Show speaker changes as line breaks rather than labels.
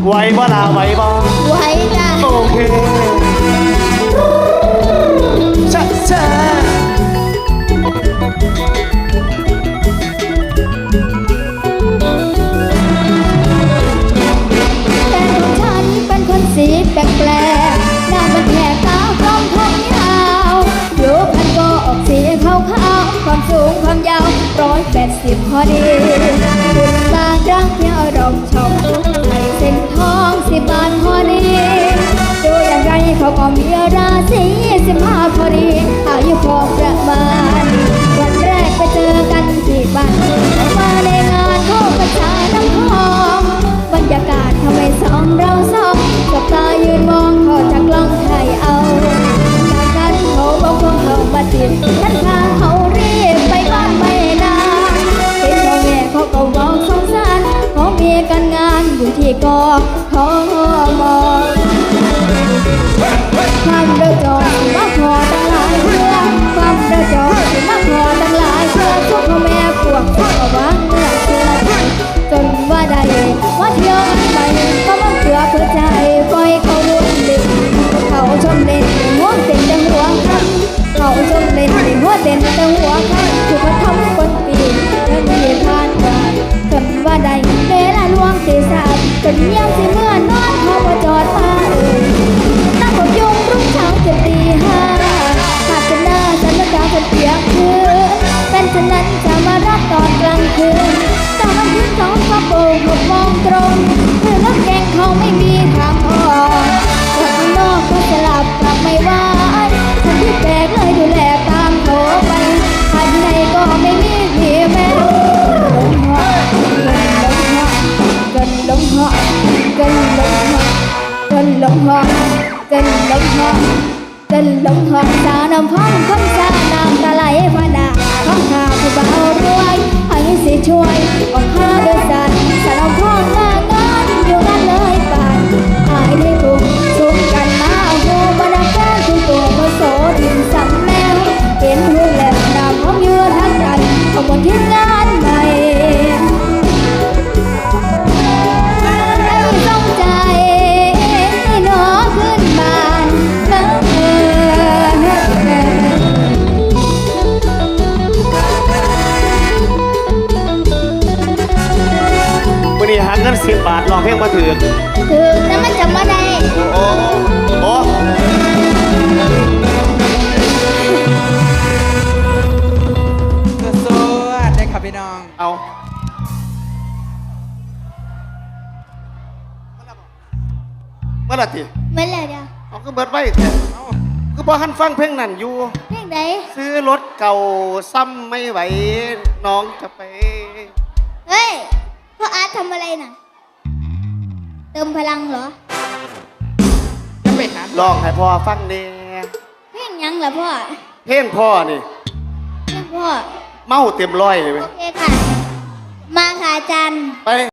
ไหวบ่ล่ะไหวบ่
ไหวจ้ะ
โอเคชัดเจน
แต่ฉันเป็นคนสีแปลกๆหน้ามันแหกตากลมผมยาวผิวพรรณก็ออกสีขาวๆความสูงความยาว180พอดีคุณบางรักเที่ยวรมชมให้เส้นทอง10 บาทพอดีดูอย่างไรเขาก็มีราศี15พอดีอายุพอประมาณวันแรกไปเจอกันที่บ้านมาในงานเข้าประชาน้ำทองบรรยากาศทำให้สองเราสองสบตายืนมองพอจากกล้องถ่ายเอาจากนั้นเขาบอกพวกเขามาจีบฉันพาเขารีบไปบ้านไม่นานเห็นพ่อแม่เขาก็บอกสงสารเขามีการงานอยู่ที่กทมความเดือดร้อนมาพอตั้งหลายเรื่องความเดือดร้อนมาพอตั้งหลายเรื่องพวกพ่อแม่พวกเขาก็วางเงื่อนเชื่อใจจนว่าได้ว่าเที่ยวกันไปก็มันเกลือเพื่อใจปล่อยเขาวนเล่นเขาชมเล่นหัวเต้นแต่หัวคันเขาชมเล่นหัวเต้นแต่หัวคันถูกกระทำคนปีเรื่องที่ผ่านมาจนว่าได้เวลาล่วงตีสามจนยังสิเมื่อนอนเขามาจอดมาตั้งผมยุงรุ่งเช้าจะตีห้าหากจะหน้าฉันละกาจะเปียกคืนเป็นฉะนั้นจะมารับตอนกลางคืนตอนวันที่2 ก็โบก6 โมงตรงคือรถแกงเขาไม่มีทางออกจากข้างนอกก็จะหลับกลับไม่ไหวฉันที่แปลกเลยดูแลตามโถไปภายในก็ไม่มีที่แม้กันลงหอกันลงหอกันลงหอกันลงหอกันลงหอสาน้ำพ้องคำสาน้ำตาไหลพนาข้องข้าผู้เบารวยให้สิช่วยออกข้าโดยสัตว์สาน้ำพ้องมางานอยู่งานเลยป่านหายในกลุ่มชุมกันมาโหบรรดาคุณตัวพระโสดินสัมแมวเห็นหูแหลมน้ำพ้องยืนทั้งกันขบวนที่งานใหม่ต้องใจหนอขึ้นบาน
วันนี้หาเงิน10 บาทลองเพลงมาถือ
นั้นมันจำมาได้
โอ้โอ้
สวัสดีครับพี่น้อง
เอาเมื่อไรที
เมื่อไรเดียว
เอาก็เบิดไว้คือพอหันฟังเพลงนั่นอยู่
เพลงไหน
ซื้อรถเก่าซ้ำไม่ไหวน้องจะไป
เฮ้ยพ่ออาร์ตทำอะไรน่ะเติมพลังเหรอ
จะไปหา
ลองให้พ่อฟังเน่
เพลงยังเหรอพ่อ
เพลงพ่อนี่
เพลงพ่อ
เมาเต็มร้อยเลยไหม
โอเคค่ะมาค่ะอาจารย์
ไป